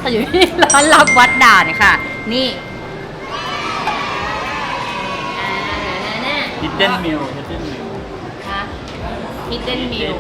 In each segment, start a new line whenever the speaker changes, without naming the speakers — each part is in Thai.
เราอยู่ที่ร้านลับวัดด่านค่ะนี่
ฮิดเด้นมิล
ค่ะHidden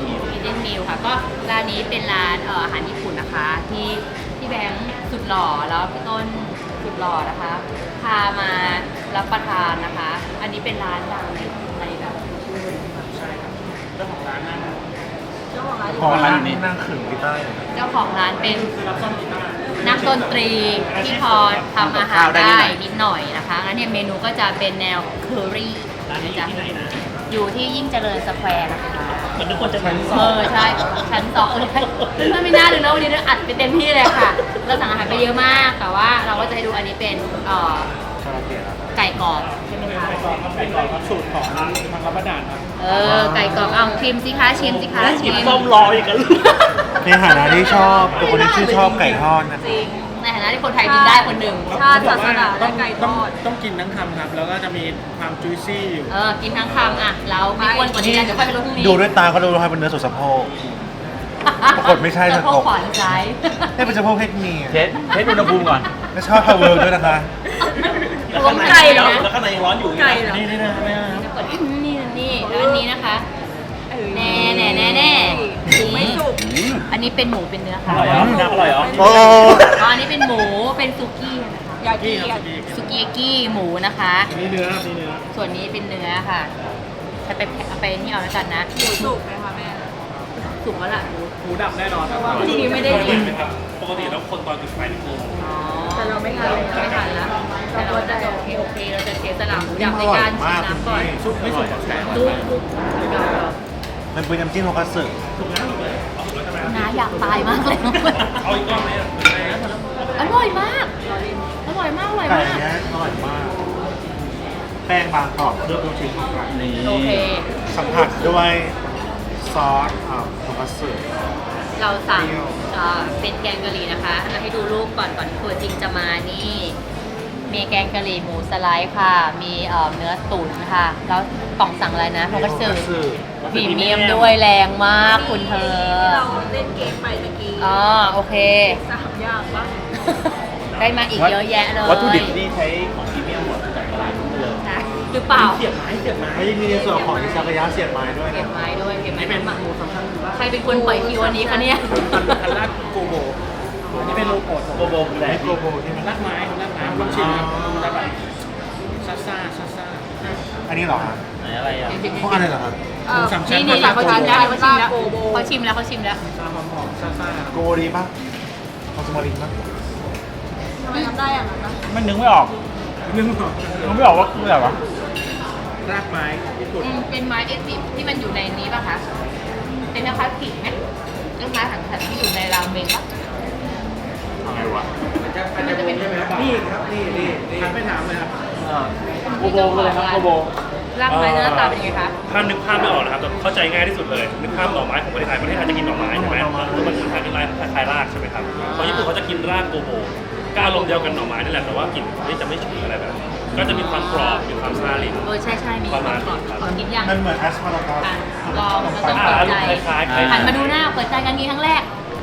Meal ค่ะก็ร้านนี้เป็นร้านอาหารญี่ปุ่นนะคะที่พี่แบงค์สุดหล่อแล้วพี่ต้นสุดหล่อนะคะพามารับประทานนะคะ อันนี้เป็นร้านดังในแบบ
ใช่ครับเจ้าของร้านนั่ง
ของร้านนี้นั่งขึงกีตาร์
เจ้าของร้านเป็น
รับซ่อมกีตาร์
นักดนตรีที่พอทำอาหารได้นิดหน่อยนะคะงั้นเนี่ยเมนูก็จะเป็นแนวเคอรี่
ร้านนี้อยู่ที่ไหนนะ
อยู่ที่ยิ่งเจริญสแควร์นะคะ
เหมือนทุกคนจะมา
ใช่ชั้นสองมันไม่น่าดูนะวันนี้เราอัดไปเต็มที่เลยค่ะเราสั่งอาหารไปเยอะมากแต่ว่าเราก็จะให้ดูอันนี้เป็นไก่กรอบใช่ไหมคะ
ไก่กรอบครับสูตรของทางรับประดานครับ
ไก่กรอบเอาชิมสิคะชิม
หยิบส้มรออีกกัน
ในฐานะที่ชอบเป็นคนที่ชื่นชอบไก่ทอดนะ
จริงในฐานะที่คนไทยกินได้คนหนึ่ง
ชาติศาสนาและไก่ทอดต้องกินทั้งคำครับแล้วก็จะมีความจุยซี่อยู่
กินทั้งคำอ่ะแล้วไม่อ้วนกว่านี้นะเดี๋ยวค่อยไปลดพรุ่งนี้
ดูด้วยตาเขาดูให้เป็นเนื้อส่วนสะโพก ปรากฏไม่ใช่
สะโพกขวาหรือซ้าย
ให้เป็นสะโพกเพศเมีย
เทสอุณหภูมิก่อน
และชอบพาวเวอร์ด้วยนะคะ
รวมไก่เหรอ
แล้วข้างในยังร้อนอยู่
ไก่เหรอ
นี่นะ
นี่แล้วอันนี้นะคะแน่ไม่สุกอันนี้เป็นหมูเป็นเนื้อ
อ
ค่ะ
ร่อยเหรอน้ำอร่อยเหรอ
โอ้
อันนี้เป็นหมูเป็นซุกี้นะคะ
ยากิครับ
ซุกี้กี้หมูนะคะ
นี่เนื้อครับนี่เนื้อ
ส่วนนี้เป็นเนื้อค่ะถ้าไปนี่เอาแล้วกันนะ
หมูสุกไหมคะแม่
สุกแล้วล่ะ
หมูดับแน่นอนครับ
จริงๆไม่ได้กิน
ปกติแล้วคนตอนจุดไฟนี่คือ
แต่เราไม่ทานเลย
ไม่ทันแล้วแต่เราจะโอเคเราจะเสียสละหมูดับในการชิมน้ำก่อน
ซุปไม่สุกแข็ง
ซุป
มันเป็นน้ำจิ้มโทคัตสึ
น้าอยากตายมากเลย
เอาอีกรอบไหมอ่ะ
อร่อยมากอร่อยมาก
ไก่เนี้ยอร่อยมาก แป้งบางกรอบเลือกลูกชิ้นของกัน
นี่
โอเค
สัมผัสด้วยซอสโทคัตสึ
เราสั่งเป็นแกงกะหรี่นะคะเราให้ดูรูปก่อนตัวจริงจะมานี่มีแกงกะหรี่หมูสไลด์ค่ะ มีเนื้อตุ๋นค่ะ แล้วป่องสั่งอะไรนะโทคัตสึพรีเมียมด้วยแรงมากคุณเธอ
ที่เราเล่นเกมไปเมื่อกี้
โอเค
3 อย่างปะ
ได้มาอีกเยอะแยะเลย
วัตถุดิบที่ใช้ของพรีเมียมหมดจากตลาดนู้นเลย
นะหรือเปล่า
เสียบไม้
แล้วยังมีในส่วนของอิซากายะเสียบไม้ด้วย
เก็
นะ
บไม้ด้วยเก็บไม้
นี่เป็น
มา
หมูสำคัญคือว่า
ใครเป็นคนปล่อยคิวอันนี้คะเนี่ย
คันลาดโกโบนี่เป็นโลโก้โกโบคืออะไร
ไมโครโบที่มัน
ลาดไม้ลองชิมครับจะแบบซ่า
อันนี้เหรอครับ
ไหนอะไรอ่ะ
พวกอะไรเหรอครับ
หมูสามชั้น
นี่เขาชิมแล้วเขาชิมแล้ว
หอมๆซ่า
โกดีป่ะคอสมารินป่ะ
ทำไมทำได้อย่างนั้นนะ
ๆมันนึกไม่ออกนึกไม่ออกว่าคืออะไรวะรากไม้ญี่ปุ่น
เป็นไม้เอซิที่มันอยู่ในนี้ป่ะคะ เป็นนะคะขิงไหมเรื่องไม้ถังที่อยู่ในรามเมงป่ะ
อะไรวะ
มันจะเป็น
นี่ครับนี่หันไปถามเลยครับโกโบเลยครับโกโบ
รากไม้หน้าตาเป็นยังไงคะ
ถ้านึกภาพไม่ออกนะครับแต่เข้าใจง่ายที่สุดเลย นึกภาพหน่อไม้ของประเทศไทยจะกินหน่อไม้ใช่ไหมแล้วมันคล้ายเป็นคล้ายรากใช่ไหมครับของญี่ปุ่นเขาจะกินรากโกโบก็อารมณ์เดียวกันหน่อไม้นั่นแหละแต่ว่ากลิ่นจะไม่ฉุนอะไรแบบนี้ก็จะมีความกรอบมีความซาลิ้น
ใช่มีก่อนขอกินยัง
มันเหมือนแอสพารากัส
ลองเราต้องเปิดใจ
คล้ายๆ
หันมาดูหน้าเปิดใจกันนี้ครั้งแรก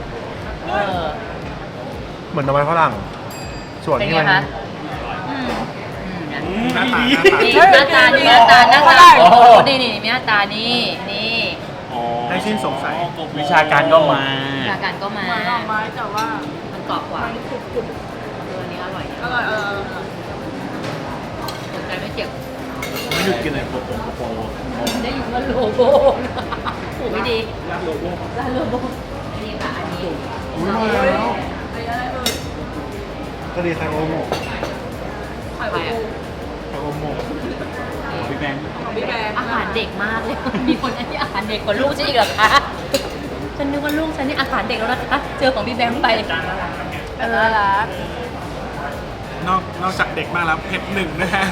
เหมือนหน่อไม้ฝรั่ง ส่วน
เป็น
ที่
ไง
มัน
คะ
หน้าตา
นี่หน้าตานี่หน้าตาโอ้นี่มีหน้าตานี่นี่
ให้สิ้นสงสัยวิชาการก็มา
อาการก็มา
เหมือนดอกไม้แต่ว่า
มันกรอบกว่า
มันกรุบ
อันนี้อร่อย
ๆอร่อย
สนใจไม่เจ็บ
ไม่หยุดกินเลย
ได้ยินว่าโลโก้ถูกไม่ดี
รับโลโก้
ร้านโลโก้นี่ค่ะอันนี้
อุ้ยมาแล้ว
อะไรเอ่ย
ก็ดีไคโอโมะ
ไข่
ใคร
ปู
อ่ะ
ไคโอโมะ
พี่แบงค์
ของพี่แบงค์
อาหารเด็กมากเลย มีคนอันนี้อาหารเด็กกว่าลูกฉันอีกเหรอคะ ฉันนึกว่าลูกฉันนี่อาหารเด็กแล้วนะคะ เจอของพี่แบงค์ไป
น่ารัก
นอกจากเด็กมากแล้วเผ็ดหนึ่งนะฮะ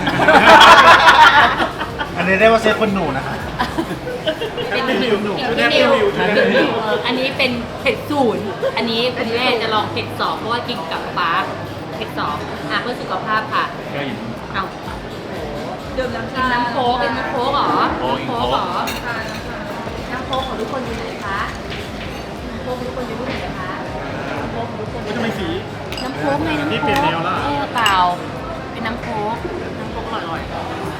อันนี้ได้ว่าเซฟคนหนูนะคะ
เป็นนิวอันนี้เป็นเผ็ดศูนย์อันนี้คุณแม่จะลองเผ็ดสองเพราะว่ากินกับป๊าเผ็ดสองเพื่อสุขภาพค่ะ เอา
ดื่มน้ำ
กินน้ำโค้กเป็นน้ำโค้กเหรอ
โอ้ย
น้ำโค้กเหรอน้ำโค้กของทุกคนอยู่ไหนคะน้ำโค้กของทุกคนอยู่ที่ไหนคะน้ำโค้กของทุกคน
ทำไมสี
โค้กไงน้ำ
นี่
โค้
เปลี่ยน
ก
แนวละ
เปล่าเป็นน้ำโค้กอร่อยๆ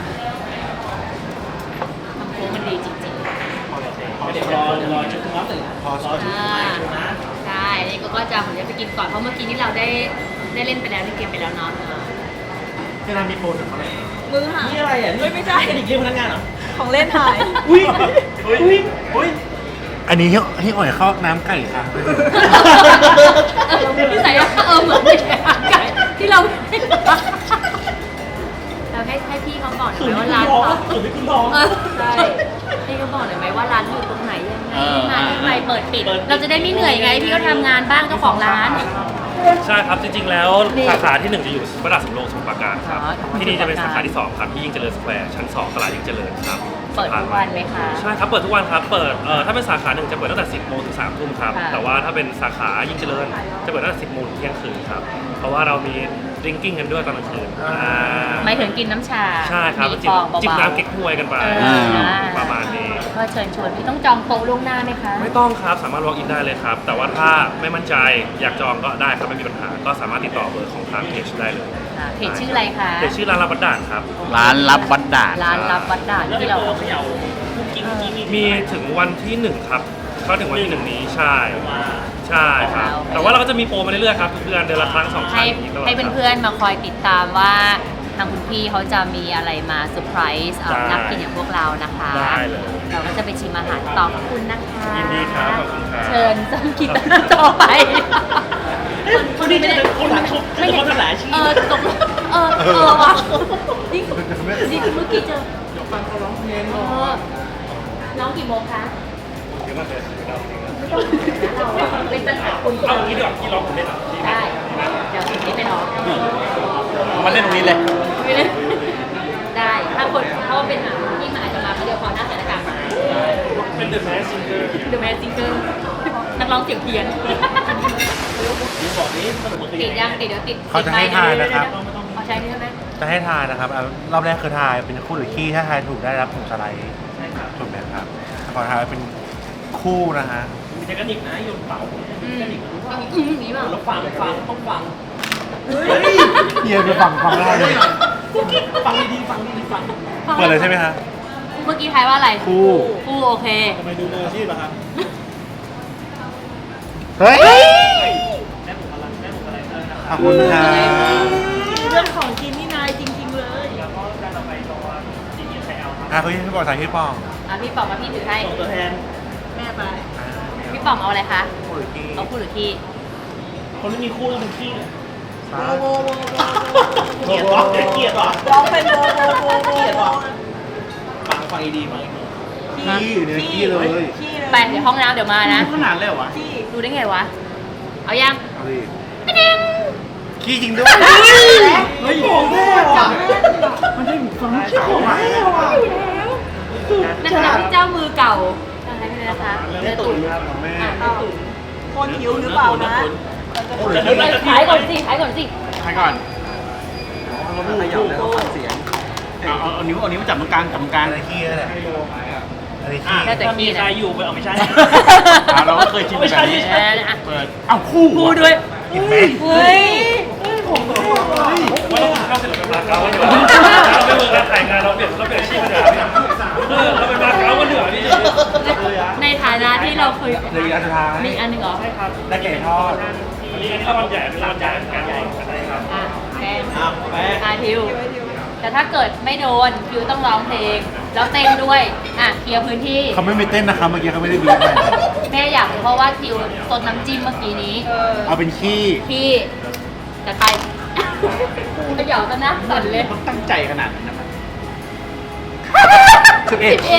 น้ำโค้กมันดีจริงๆ
เดี๋ยวรอจุดน้ำหนึ่งพอรอจุด
ใช่อันนี้ก็จะผมจะไปกินก่อนเพราะเมื่อกี้นี่เราได้เล่นไปแล้วได้เกมไปแล้วเนาะ
ที่ร้านมีโปรถึงเท่าไหร่
มือหาย
นี่อะไรอ่ะ
ไม่ใช่
นี่เรียกพนักงานเหรอ
ของเล่นหาย
อุ้ยอุ้ย
อันนี้ให้อ่อยเข้าน้ำไก่ค่ะ
ที่ใส่เหมือนไม่ใช่อาไก่ที่เราให้พี่เขาบอกหน่อยไหมว่าร้านเขา
สุดที่คุณท้อง
ใช่พี่เขาบอกหน่อยไหมว่าร้านอยู่ตรงไหนยังไงที่มาที่ไปเปิดปิด เราจะได้ไม่เหนื่อยไงพี่ก็ทำงานบ้างเจ้าของร้าน
ใช่ครับ จริงๆ แล้ว
นี่
สาขาที่ 1 จะอยู่พระดาษสำโรงสมุทรปราการครับ
อ๋อ
ที่นี่จะเป็นสาขาที่ 2 ครับ ที่ยิ่งเจริญสแควร์ชั้น 2 ตลาดยิ่งเจริญครับ
เปิดทุกวันไหมคะ
ใช่ครับ เปิดทุกวันครับ เปิดถ้าเป็นสาขา 1 จะเปิดตั้งแต่ 10 โมงถึง 3 ทุ่มครับ
ค่ะ
แต่ว่าถ้าเป็นสาขายิ่งเจริญ จะเปิดตั้งแต่ 10 โมงถึงเที่ยงคืนครับ เพราะว่าเรามีดริงกิ้งกันด้วยตอนกลางคืน
หมายถึงกินน้ำชา
ใช่ครับ
มี
จิบ
ฟองเบาๆ
จิบน้ำเก๊กฮวยกันไป ประมาณนี้
ก็เชิญชวนพี่ต้องจองโต๊ะล่วงหน้าไหมคะ
ไม่ต้องครับ สามารถ walk in ได้เลยครับ แต่ว่าถ้าไม่มั่นใจอยากจองก็ได้ครับ ไม่มีปัญหา ก็สามารถติดต่อเบอร์ของทางเพจได้เลย
ค่ะเพจชื่ออะไรคะ
เพจชื่อร้านรับบัตรด่านครับ
ร้านรับวัดด่าน
ร้านรับวัดด่านที่เรา
เขย่าคุกกิ้งนี่
มีถึงวันที่ 1 ครับก็ถึงวันที่ 1 นี้ใช่ใช่ครับ แต่ว่าเราก็จะมีโปรมาเรื่อยๆครับทุกเดือนละครั้ง 2 ครั้
ให้
งอย่างนี้ตลอด
ให้เพื่อนๆมาคอยติดตามว่าทางคุณพี่เขาจะมีอะไรมาเซอร์ไพรส์นักกินอย่างพวกเรานะคะ
ได้เลย
เราก็จะไปชิมอาหารต่อขอบคุณนะคะ
ยินดีครับขอบคุณครับ
เชิญจำกินต่อไป
คนนี้ไม่ได้คนหลังชุบคือคนทั้งหลายชื่อ
ตกลงว่ะนี่คือเมื่อกี้เจอ
เดี๋ยวฟังเขาร้องเพลง
น้องกี่โมงคะ
เดี๋ยวมาเลยเราจริงนะ
เราเป็นปัญหาคุณ
เอางี้ดีกว่าที่ร้องผมเล่นอ่ะ
ได้ เดี๋ยวสิ่งนี้ไปน้อง
มาเล่นตรงนี้เลย
ไม่ได้ได้ถ้าคนเพราะว่าเป็นหนังที่มันอาจจะมาเดียวพอหน้าใส่หน้ากากมา
เป็น The Masked Singer
The Masked Singer นักร้องเสียงเพี้ยน
บอกนี้สนุก
ติดยังติดเดี๋ยวติด
เขาจะให้ทายนะครับ
เขาใช้นี่ใช่ไหม
จะให้ทายนะครับรอบแรกคือทายเป็นคู่หรือขี้ถ้าทายถูกได้รับถุงสไลด์ถูกไหมครับขอทายเป็นคู่นะฮะ
มีเทคนิคนะโยนเป่า
นี่เปล่า
แล้วฟังต้องฟัง
เยียไปฝั่งแรกเลย
ฟังดีๆฟังดีๆฟัง
เปิดเลยใช่ไหมฮะ
เมื่อกี้ทายว่าอะไร
คู่
คู่โอเค
ทำไมดูมืออาชีพอะครับ
เฮ้ย
แม่ผมอะไรแม่ผมอะไรนะครับ
ขอบคุณครับ
เรื่องของกินนี่นายจริงๆเลย
แล้วก็การต่อไปตัวจริงๆใครเอาครับ
คุณพี่บอกสายที่ปอง
พี่ป๋องกับพี่ถือให้
ส่งตัวแทน
แม่ไป
พี่ป๋องเอาอะไรคะ
คู่หรือขี้
เอาคู่หรือขี้
คนที่มีคู่ต้องเป็นขี้
สา
โบโบโบ
เกลียดวะเกลียดวะ
ร้องเป็นโบโบโบโบ
เกลียดวะฟังดีฟังดี
ขี้อยู่ในขี้เลย
ขี้เลย
ไปเดี๋ยวห้องน้ำเดี๋ยวมานะ
ขนาดเลยเหรอวะ
ขี้
ดูได้ไงวะ เอายัง
เอาดิขี้จริงด้วย
เฮ้ยของแม่ว่ะมันได้ฟังของแม่ว่ะ
ในขณะที่เจ้ามือเก่าอะไรนี่นะคะเนื้อตุ๋น
ของแม่
คนหิวหรือเปล่านะ
คู่หรือขี้
ขายก่อนสิขายก่อนสิ
ใครก่อน
ขยับแล้วฟังเสียงเอานิ้วมาจับตรงกลางจับตรงกลาง
อะไรขี้นั่นแหละอะไรขี้
ได้แต่ขี้
ใคร
นะ
อยู่ไปเอาไม่ใช่เราก็เคยชิมแบบนี้ เปิด
เอ้าคู่
คู่ด้วย
เห็นไหม
เฮ้ย
ว่าเราเข้าเสร็จเราเป็นมาเก๊ากันอยู่เราไม่เวิร์กการถ่ายงานเราเปลี่ยนอาชีพกันเถอะเราเป็นมาเก๊ากันเถอะนี่
ในฐานะที่เราเคย
เหลยอันสุดท้าย
มีอันหนึ่งเหรอ
ได้ไก่ทอด
อันนี้รางวัลใหญ่เป็นรางวัลใหญ่การใหญ่กันได้ครับ
อ่ะแป้ง
แม่
ทิว แต่ถ้าเกิดไม่โดนทิวต้องร้องเพลง แล้วเต้นด้วย อ่ะเคลียร์พื้นที่
เขาไม่มีเต้นนะครับเมื่อกี้เขาไม่ได้บีบเลย
แม่อยากรู้เพราะว่าทิวซดน้ำจิ้มเมื่อกี้นี้
เอาเป็นขี้
พี่แต่ไปเขย่าซะนะสั่นเลย
ต้องตั้งใจขนาดนั้นนะครับ
11
เอง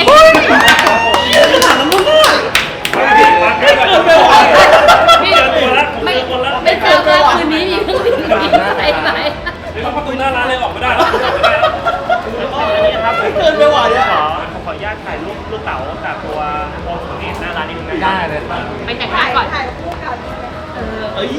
พี่ไม่เจอว่าคืนนี้มีเครื่องบินบินไปไหม
ประตูหน้าร้านเลยออกไม่ได้แล้ว
แล้วก็อันนี้ครับเกินไปหว่ะเนี่ยขออนุญาตถ่ายรูปลูกเต๋ากับตัวโมสุเนตหน้าร้านนิดนึง
ได้เลยครับ
ไปแต่งหน้าก่อน
ถ่ายคู่กัน
เอ้ย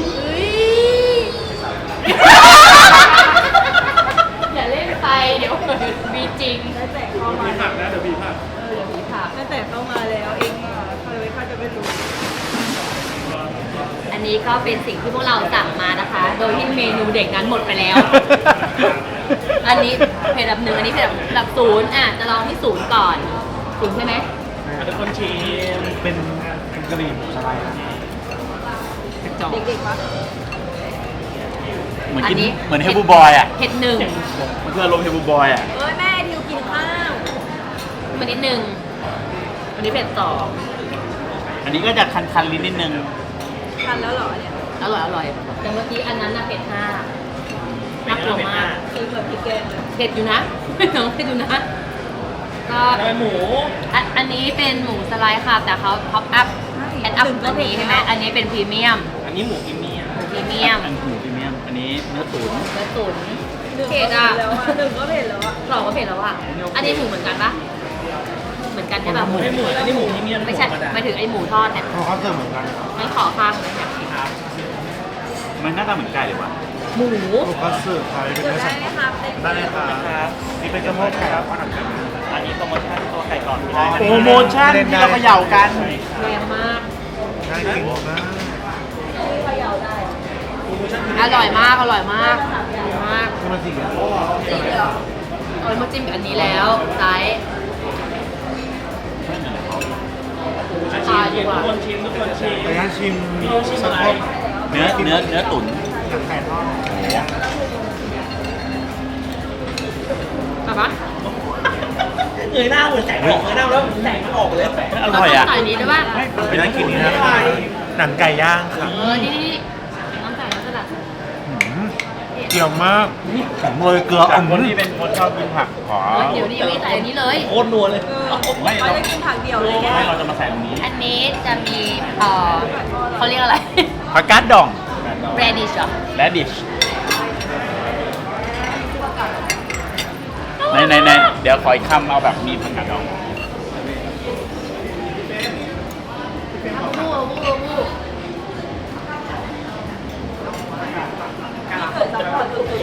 อย่าเล่นไปเดี๋ยวเกิดมีจริง
ตั้งแต่เข้ามา
หักนะเดี๋ยวบีบหัก
เดี๋ยวมีผัก
ตั้งแต่เข้ามาแล้วเองเขาจะไม่รู้
อันนี้นี้ก็เป็นสิ่งที่พวกเราสั่งมานะคะ โดยที่เมนูเด็กนั้นหมดไปแล้ว อันนี้เพจอันดับ1อันนี้เพจอันดับ0จะลองที่0ก่อน0ใช่ไหม
ทุกคนชิม
เป็นกะหรี่หมูสไลด์
เด็กๆวะ
เหมือน
อั
กิน
นนี้
เหมือนเฮบูบอยอ่ะ
เผ็ดหนึ่ง
มันคืออารมณ์เฮบูบอยอ่ะ
เอ้ยแม่ดิวกินข้าว
มันนิดหนึ่งอันนี้เผ็ด2
อันนี้ก็จะคันๆลิ้นนิดนึง
ทันแล้วเหรอเนี่ย
อร่อยแต่เมื่อกี้อันนั้นน่ะเผ็ด5น่ากลัวมาก
กินแบบพริกแกงเลย
เผ็ดอยู่นะ น้องเผ็ดอยู่นะ ก็
ทำไมหมู
อันนี้เป็นหมูสไลด์ค่ะ แต่เขาท็อปอัพแอนอัพตัวนี้ใช่ไหมอันนี้เป็นพรีเมียม
อันนี้หมูกิมมี่
พรีเมียม
อันหมูพรีเมียม อันนี้เนื้อตุ๋น
เนื้อตุ๋น
หนึ่ง
เผ็
ก็
ดอ่ะ
เผ็ดแล้วอ่ะหนึ่งก็เผ็ดแล้วอ่ะ
สองก็เผ็ดแล้วอ่ะ อันนี้หมูเหมือนกันปะเหมือนกันใช่ปะ
ไม่หมูอันนี้หมูพรีเมียม
ไม่ใช่
ธรรดา
หมายถึงไอ้หมูทอดเนี่ย
เพราะเขาเสิร์ฟเหมือนกัน
ไม่ขอข้างเลยอยากกิน
ครับ
มันหน้าตาเหมือนไก่เลยว่ะ
หมู
เขาเสิร์ฟไทยเป็น
เกิด
เนื้อ
ได้
สัตว์
ไหมครับเด็ก
ได้เลยค่ะ
ครับ
นี่เป็นกระเพาะไก่ครับอาหารไก่
อันนี้โปรโมชั่นตัวไก่กรอบที่ได้
โปรโมชั่นที่เราเขย่ากัน
แรงมาก
น่ากินมาก
อร่อยมาก อร่อยมากดีมาก
นี่มันจริงเหรอ
จริงเหรอเอามาจิ้มกับอันนี้แล้วไซส์
ชิมทุกคนชิมทุกคนชิม
ไปงั้นชิม
พี่ยูชิมอะไร
เนื้อตุ๋น
หนังไก่ทอด
แบบว่า
เงยหน้าเหมือนแสงออกเงยหน้าแล้วแสงมันออกเลย
อร่อยอ่ะ
ใส่นี้ด้วยป่ะ
เป็นน่ากินนี่นะคะหนังไก่ย่างค่ะ
นี่น้ำใส่น้ำสลัด
เกี่ยวมากโรยเกลือ
จากคนที่เป็นคนชอบกินผักขอ
เดี๋ยวนี้ยังไม่ใส่อันนี้เลย
โคตรนัวเลย
ไม่
เขา
เรา
จะกินผักเดียวเลยแก
ไม่เราจะมาใส่ตรงนี้
อันนี้จะมีเขาเรียกอะไร
ผักกาดดอง
radish เหรอ
และดิชในเดี๋ยวขออีกคำเอาแบบมีผักกาดดอง
วู้
เกิดซัพพอร์ตสุด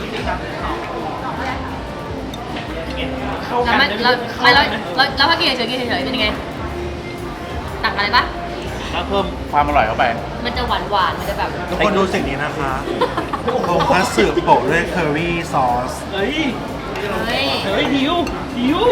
เข้า
แล้ว
กัน
มันแล้วถ้ากินเฉยเป็นยังไงตักอะไรปะ
ก็เพิ่มความอร่อยเข้าไป
มันจะหวานมันจะแบบ
ทุกคนดูสิ่งนี้นะคะโครงคัตสึโปะด้วยเคอรี่ซอส
เฮ้ย
เฮ้ย
เฮ้ยหิวหิว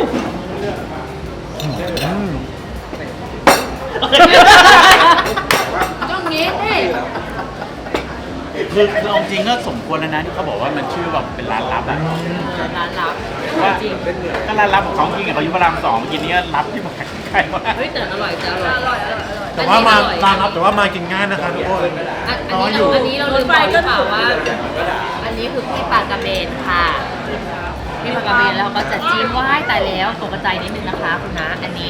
ต้องงี้สิ
คือเอาจริงก็สมควรแล้วนะที่เขาบอกว่ามันชื่อแบบเป็นร้านลับอ่ะ
ร้านลับ
ว่า
จริง
ก็ร้านลับของเขาจริงกับเขาอยู่พระราม2กินนี้ก็ลับที่มาใกล้มาก
เฮ้ยแต่อร่อยแต่อ
อ
ร่อย
ร่อย
แต่ว่ามาร้านครับแต่ว่ามากินง่ายนะคะทุกคน
อันนี้เราลืมบอกหรือเปล่าว่า อันนี้คือพี่ปลากระเบนค่ะพี่ปลากระเบนแล้วก็จะจิ้มว่ายตายแล้วตกใจนิดนึงนะคะคุณนะอันนี้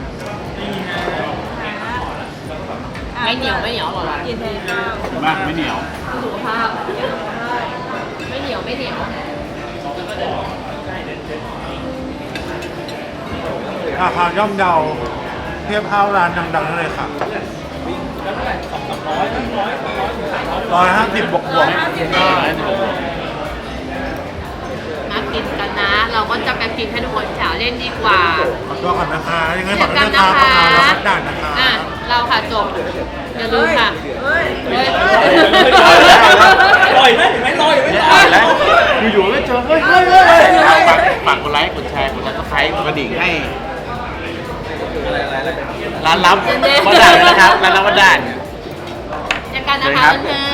ไม่เหนียวอร่อย
กินแทนข้าว
มากไม่เหนียว
สุขภาพไม่เหนียว
ราคาย่อมเยาเทียบเท่าร้านดังๆนั่นเลยค่ะ150บวก
มากินกันนะ เราก็จะไปกินให้ทุกคนแถวเล่นดีกว่า
ขอตัวก่อนนะคะยังไง
เจ
ฝา
อก
ด้วย
กัน
นะ
นะคะ คะ
เราพัดด่านนะคะ
อ่ะเราค่ะจบอย่าลืมค่ะ
เฮ้ย
เฮ้ย
ลอยไหมเห็นไหมลอยไหม
เนี่ยอ่านแล้วอยู่ๆก็เจอเฮ้ยฝากกดไลค์กดแชร์กดซับสไครต์กดกระดิ่งให้ร้านลับวัดด่านนะครับร้านลับวัดด่าน
เจอกันนะคะเพื่อน